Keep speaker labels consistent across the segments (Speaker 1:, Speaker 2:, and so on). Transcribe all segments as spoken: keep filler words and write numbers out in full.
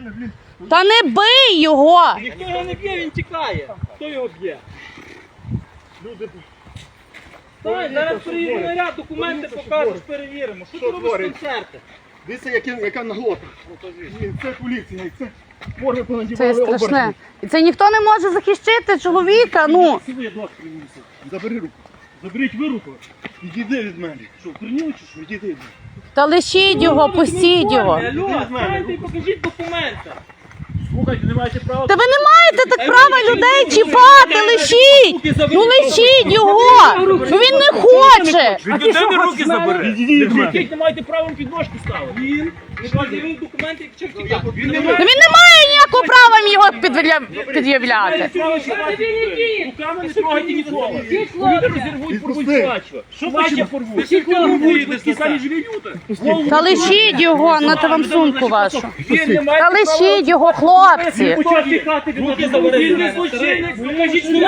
Speaker 1: Та не бий його!
Speaker 2: Ніхто його не б'є, він тікає. Хто його б'є?
Speaker 3: Люди...
Speaker 2: Так, зараз приїде наряд, документи покажеш, перевіримо. Що ти робиш концерти?
Speaker 3: Дивіться, яка наглота. Це поліція, і це може
Speaker 1: Це
Speaker 3: понадівали
Speaker 1: страшне. І це ніхто не може захищати чоловіка, ну.
Speaker 3: Забери руку. Заберіть ви руку. Відійди від мене. Що, вкорніли чи що? Відійди від мене.
Speaker 1: Та лишіть його, пустіть його.
Speaker 2: Алло, станьте і покажіть документи.
Speaker 3: Слухайте, не маєте права.
Speaker 1: Та ви не маєте так права людей чіпати, лишіть! Ну лишіть його! Ну він не хоче!
Speaker 2: Від людини руки забери.
Speaker 3: Відійди від мене.
Speaker 2: Не маєте права підножки ставити. Він не пред'явив документи, як чим тікав. Він не
Speaker 1: Ну він не має ніякого права їм його підвля- під'являти.
Speaker 2: Руками не трогайте нікого. Люди розірвуть, порвуть плачу. Що плаче порвуть? Всі
Speaker 3: Такі самі живі люди.
Speaker 1: Та лишіть його, нате вам сумку вашу.
Speaker 2: Він не має
Speaker 1: Та лишіть його, хлопці.
Speaker 2: руки забери. Він не злочинець. Покажіть, що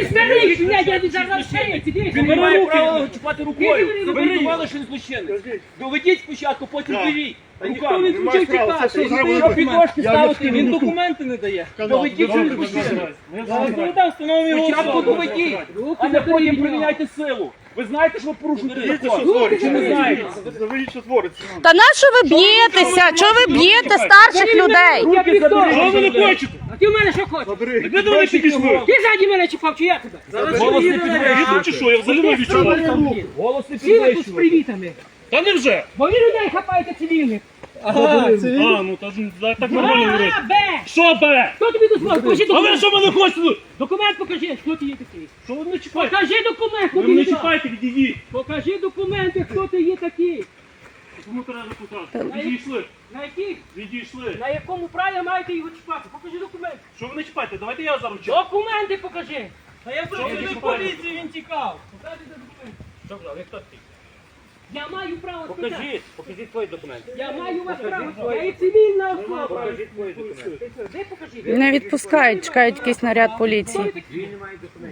Speaker 2: він не має права чіпати рукою. Ви не думали, що він злочинець. Доведіть спочатку, потім беріть. Ніхто не включив тікати. Що підножки ставити, він документи не дає. Доведіть, що він злочинець. Зараз встановимо його особу. Доведіть, а не потім приміняйте силу. Ви знаєте, що ви порушуєте закон? Чи не знаєте?
Speaker 3: Заберіть, що твориться.
Speaker 1: Та на що ви б'єтеся? Чого ви б'єте старших людей?
Speaker 2: Руки заберіть.
Speaker 3: Що ви не хочете?
Speaker 4: А ти в мене що хочеш?
Speaker 3: Забери.
Speaker 2: Ви до мене підійшли.
Speaker 4: Ти ззаді мене чіпав, чи я тебе?
Speaker 2: Зараз голос не підвищує.
Speaker 3: Чи що? Я взагалі не відчуваю.
Speaker 2: Голос не
Speaker 4: Всі ви тут з
Speaker 2: підвищує.
Speaker 4: привітами.
Speaker 3: Та не вже.
Speaker 4: Бо ви людей хапаєте цивільних.
Speaker 3: А, ну та ж так нормально говорити.
Speaker 4: А, Б!
Speaker 3: Що бе?
Speaker 4: Хто тобі дозволив? Покажи
Speaker 3: А ви
Speaker 4: документ.
Speaker 3: що мене хочете?
Speaker 4: Документ покажи, хто ти є такий.
Speaker 3: Що ви не чіпаєте?
Speaker 4: Покажи документ, хто
Speaker 3: Ви
Speaker 4: ти
Speaker 3: мене
Speaker 4: є такий.
Speaker 3: чіпаєте, відійдіть.
Speaker 4: Покажи документи, хто ти є такий.
Speaker 3: Кому треба запитати? Відійшли.
Speaker 4: На яких?
Speaker 3: Відійшли.
Speaker 4: На якому праві маєте його чіпати? Покажи документи.
Speaker 3: Що ви не чіпаєте? Давайте я зараз чіпаю.
Speaker 4: Документи покажи.
Speaker 2: Та я працюю поліції, він тікав.
Speaker 4: Покажи документи.
Speaker 2: Що брав, як хто такий?
Speaker 4: Я маю право спитати.
Speaker 2: Покажіть, покажіть свої документи.
Speaker 4: Я маю вас право. Я є цивільна особа.
Speaker 2: Покажіть свої документи.
Speaker 4: Де покажи?
Speaker 1: Не відпускають, чекають якийсь наряд поліції.
Speaker 4: Він не має документів.